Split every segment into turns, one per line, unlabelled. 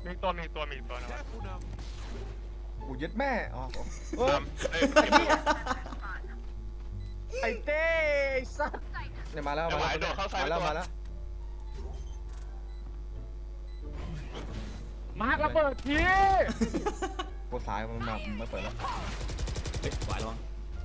มีตัวนะ
กูยึดแม่อ๋อไอ้เต้สัตว์เนี่ยมาแล้วมาแล้ว
มาร์คระเบิดที
กดสายมันมาไม่เปิดแล้ว
เฮ้ยไหวแล้วมั้ง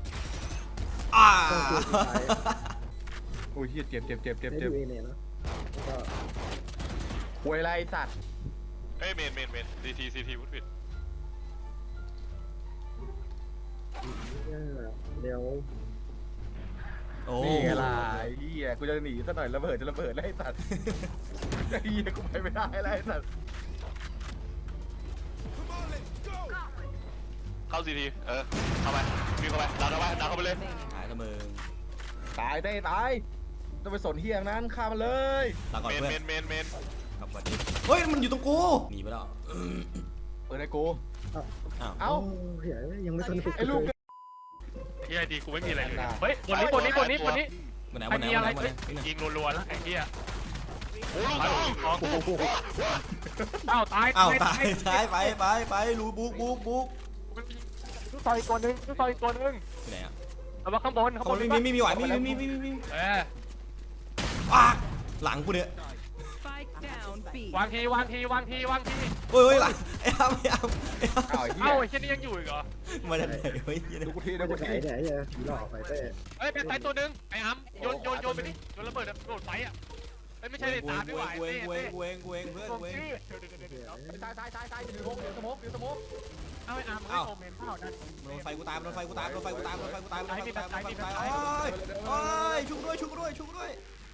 โอ้ยเจ็บ
ได้ดูเอเนนะแล้วก็
ควยไรสัตว์
เอ้ยเมนซีทีวุฒิด
เดี๋ยว
โอ้
นี่ไงล่ะไอ้เหี้ยกูจะหนีซะหน่อยระเบิดแล้วไอ้สัตว์ไอ้เหี้ยกูไปไม่ได้แล้วไอ้สัตว์
เข้าซีทีเข้าไปวิ่งเข้าไปดันเข้าไปเลย
หายละมึง
ตายได้ตายต้องไปสนเหี้ยนั้นฆ่ามันเลย
ลาก่อน
เม
เพื่อน
น
กลับมาดิเฮ้ยมันอยู่ตรงกูหนีไปแล้ว
เปิดไอ้กู
อ้าว
เอ้า
เหี้ยยังไม่ทันฝึก
ไอ้ลูก
ที่ไอดีกูไม่มีอะไรเลย
เฮ้ย
บนนี้
วันไหน
ยิงรัวๆแล้วไอ้เหี้ย
โอ้โห
อ้าวตาย
อ้าวตายไปรูบุก
ทุกซอยตัวนึงอยู่ไหนอ่ะเอามาข้างบน
มีไหวมีหลังกูเนี่ย
วางที
เฮ้ยหลังไอ้อ้ำ
อ้าวไอ้เหี้ย
เอ้าไอ้เช่นนี้ยังอยู่อีกเหรอ
มาจากไหนเฮ้ย
ดูกูที
ไหนเนี่ยผีหลอกไปเต้
เฮ้ยเป็นไซตัวนึงไอ้อ้ำโยนไปดิโยนระเบิดโดดไฟอ่ะไม่ใช่เลยตามด้วย
เว้งเพื่อนเว้ง
ตายอยู่สมก
เอาไอ้อ้ำให้โมเมนต์เปล่านั่น
โดนไฟกูตายโอ้ยชุบด้วย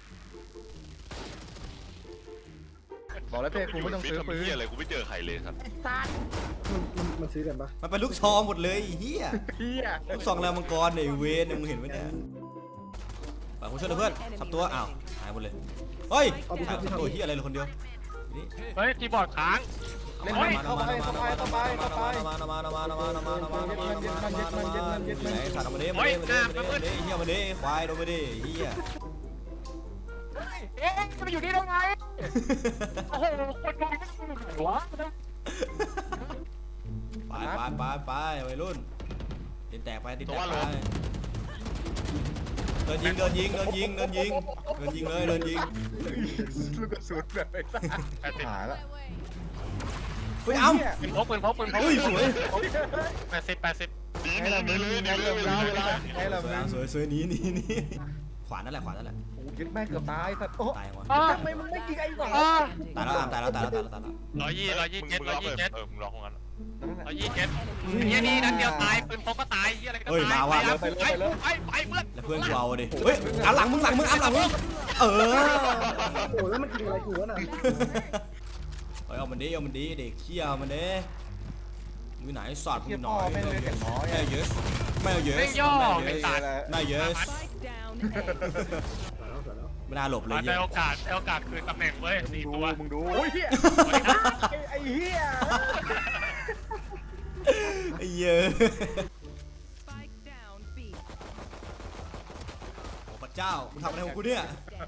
บอกแล้วเต้กูไม่ต้องซื้อปืน
อะไรกูไม่เจอใครเลยครับ
มันซื้อกันปะ
มันเป็นลูกซองหมดเลยเฮีย
เหี้ย
ลูกซองแล้วมังกรเนี่ยเวนมึงเห็นไหมเนี่ยฝากกูช่วยเพื่อนสับตัวอ้าวหายหมดเลยเฮ้ยตัวเฮียอะไรเลยคนเดียวนี่
เฮ้ยคีย์บอร์ดค้าง
เล่นเข้าไป
ไอ้สัตว์มาเด้เฮียมาเด้ควายโดนมาเด้เฮีย
เอ๊ะจะไปอยู่นี่ได้ไงโอ้โหคนมองไม่ถูกหัว
ไปวัยรุ่นติดแตกไปเดินยิงเลย
ลูกกระสุนแบบไอ้สัตว์หาละ
เฮ้ยเอ้า
ปืนพก
เฮ้ยสวย
80
ให้เรามึงให้เรามึง
สวยนี้ขวานนั่นแหละ
โอ้ยึดแม่เกือบตายสัตว์โอ้
ตายวะ
ทำไมมึงไม่ยิงไอ้สอง
ตายแล้ว
127มึงรอของกัน127นี่นัดเดียวตายปืนพกก็ตายอะไรก็ตาย
เฮ้ยมาว่ะ
ไปเพื่อน
แล้วเพื่อนกูเอาดิเฮ้ยเอาหลังมึงเออ
โอ้แล้วมันกินอะไรกูวะน่ะ
เฮ้ยเอามันดีเด็กเขี้ยวมันเด้มีไหนสอด
เหี้
มี
ย
หน่
พ่อ
อย
แม่งเลยเสียงน้อย
ไม่เยอะไม่เยอะ
เร่งย่อไอ้สัตว์
ไม่เยอะไม่น่าหลบเลย
ได้โอกาสคืนตำแหน่งเว้ย4ตัว
มึงดูโอ้ยเหี้ยไอ้เหี้ย
ไอ้เยอะโอ้พระเจ้ามึงทำอะไรของกูเนี่ย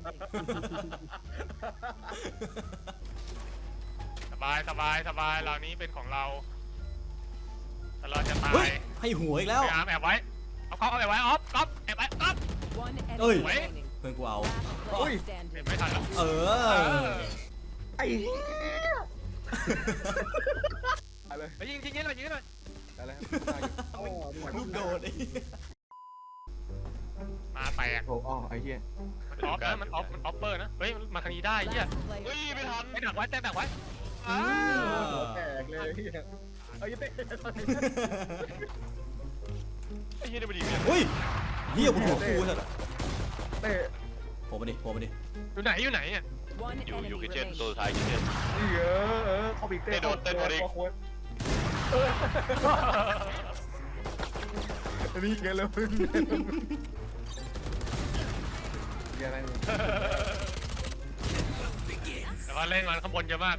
สบายเหล่านี้เป็นของเราแต่เราจะตา
เฮ้
ย
ยให้หัวอีกแล้ว
พยายามแอบไว้เอาเขาแอบไว้ออฟก๊อฟแอบไว้ก๊อฟ
เอ้ยเพื่อนกูเอา
อุ้ย
ไม่ทันแล้ว
เออ
ไอ้เหี้ยอะไร
ไปยิงหน่อย
อะไร
ลูกโดดไอ้
มาแตก
โอ้อ๋อไอ้เหี้ย
มันออฟเปอร์นะเฮ้ยมาทางนี้ได้เหี้ยไม่ทันไม่ดักไว้แตกไว้
แตกเลยเหี้ยไอ้เต้
ไอ้เหี้ยได้ไปดี
เฮ้ยเฮียกูถูกกูสัตว์
เต้
โผล่มาดิ
อยู่ไหนอ่ะอยู่คิเช่นตัวท้ายคิเช่น
นี่เข้าไปเต้นี่ไงแล้วมึงอะไร
แต่ว่าเล่นมันข้างบนเยอะมาก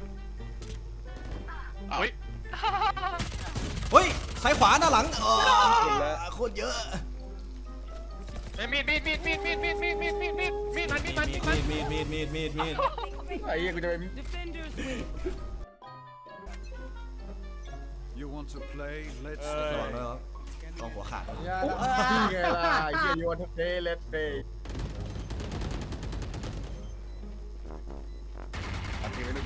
อุ้ย
เฮ้ยซ้ายขวาหน้าหลังโคตรเยอะ
มีดมัน
มีด
ไอ้เหี้ยกูจะไป
You want to play? Let's
ระวัง
play.
ด้วยครับต้องหัวขาดด้วย
นี่ไงล่ะไอ้เหี้ยโยนเดย์เลสเดย์โอเคไม่รู้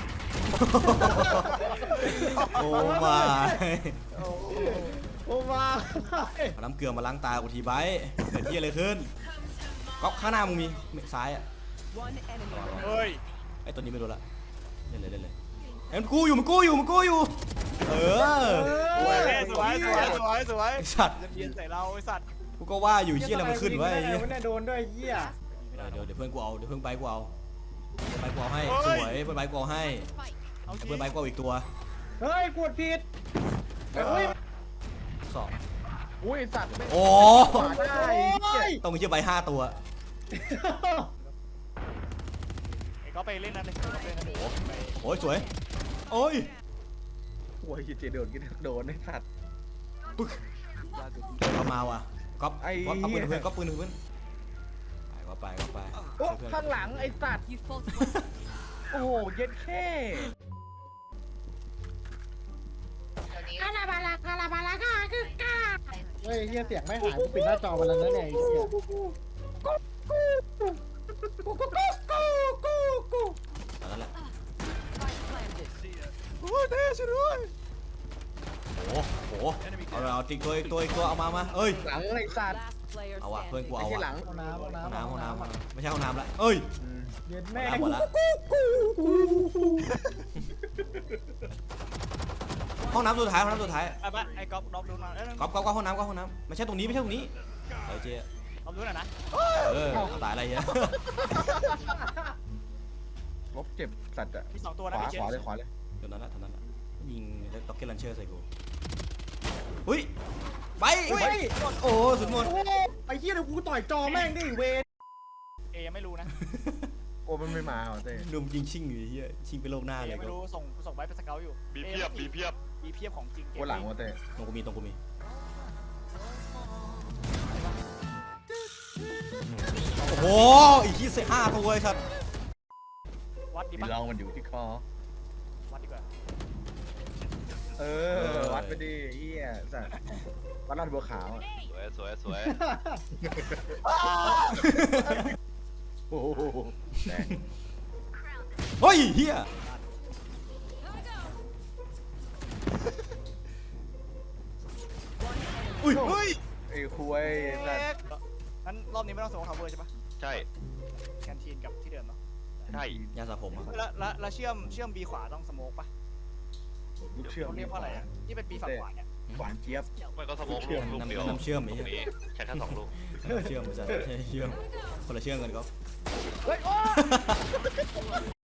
โอ้มา
โอ้มา
เอาน้ำเกลือมาล้างตากูทีไบท์เกิดที่อะไรขึ้นก๊อปข้างหน้ามึงมีซ้ายอ่ะ
One enemy
เฮ้ย
ไอ้ตัวนี้ไม่รู้ละเล่นเลยเล่นเลยไอ้มันกู้อยู่มันกู้อยู่มันกู้อยู่เออ
สวยสวยสวยสวยสวย
ไอ้สัตว์
จะเบียนใส่เราไอ้สัตว์
กูก็ว่าอยู่ที่อะไรมันขึ้นวะไอ้เหี้ย
เนี่ยโดนด้วยเหี้ย
เดี๋ยวเพื่อนกูเอาเดี๋ยวเพื่อนไบค์กูเอาเพื่อนไบค์กูเอาให้สวยเพื่อนไบค์กูเอาให้
เอาจริง
เพื่อนไบค์กูเอาอีกตัว
เฮ้ยกดผิดเฮ้ย
สอง
อุ้ยสัตว์ไม่
โอ้
ขวาได้ไอ้เหี้ย
ต้องมีเชือกใบ5 ตัว
ไอ้ก็ไปเล่นนั่นเลยก็ไปเล่นนั่นเลย
โอ้ยสวยโอ้ย
โอ้ยเจโดนกินโดนไอ้สัตว์
ปึ๊กเอามาว่ะก๊อป
ไอ้
ก๊อปเอาปืนเพื่อนก๊อปปืนเพื่อนไปก็ไป
โอ้ข้างหลังไอ้สัตว์
You fought
โอ้โหเย็ดแค่
เฮ้ยเหี้ยเสียงไม่หายกูปิดหน้าจอไปแล้วนะเนี่ยไอ้เหี้ย
เอานั่นแหละ
spike planted.
โอ้โหเอาติ๊กตัวอีกตัวเอามาเอ้ย
หลังไอ้สัตว์
Last player
เอาว่ะเพื่อนกู
standing.
ไม่
เอา
ใช่หลั
ว่ะ
ง
ห้องน้ำ
ไม่ใช่ห้องน้ำละเอ้ย
เย็นแม่
หมดละห้องน้ำสุดท้ายห้องน้ำสุดท้าย
ไอ้บ้าไอ้ก๊อฟน็อกดูหน่อยเอ้ย
ก๊อปห้องน้ำไม่ใช่ตรงนี้เออเจ๊
น็อกดูหน่อยนะ
ตายอะไรเงี้ย
ลบเจ็บสัตว์อะ
มี2ตัว
ข
นะ
วา
พี่เจ
ขวาเลยขวาเลย
เท่านั้นละยิงด็อกเก็ตลันเชอร์ใส่กูอุ้ยไปโอ้สุดหมด
ไอ้เหี้ยเดี๋ยวกูต่อยจอแม่งดิเวร
เอยังไม่รู้นะ
โอ้มันไม่มาเหรอเต้
ลุมยิงชิงอยู่เฮียชิงไปโลกหน้า
เอ
เลย
ยังไม่
ก็
รู้ส่งไว้เป็นสเกลอยู่
บีเพียบบีเพียบ
บีเพียบของจริง
โอ้หลังวะเต้
ตรงกูมีโอ้โหอีกที่5 ตัวไอ้สัตว์
วัดดี
ดี
ปะ
ลองมันอยู่ที่คอ
วัดดีกว่า
เออวัดไปดิเฮียสัตว์วัดรอดบัวขาวอะ
สวยสวย
โอ้โหแดง
เฮ้ยเฮียอุ้ย
ไอ้คุยไอ้สัตว์
งั้นรอบนี้ไม่ต้องส่งคาเวอร์ใช่ปะ
ใช่
แคนทีนกับที่เดิมเนาะ
ใช่
ยาสระผมอะ
แล้วเชื่อมบีขวาต้องสโมกปะ
ลูกเชื่อม
เขาเรียกเพราะอะไรอ่ะที่เป็นบีฝั่งขวาเนี่ย
หวานเจี๊ยบ
ไม่ก็สมองลูกเดียว
น้ำเชื่อม
ต
ไอ้
รง
เหี้ย
นี้ใช้แค่2 ลูก
น้ำเชื่อมไม่ใช่เชื่อมคนละเชื่อมกันก็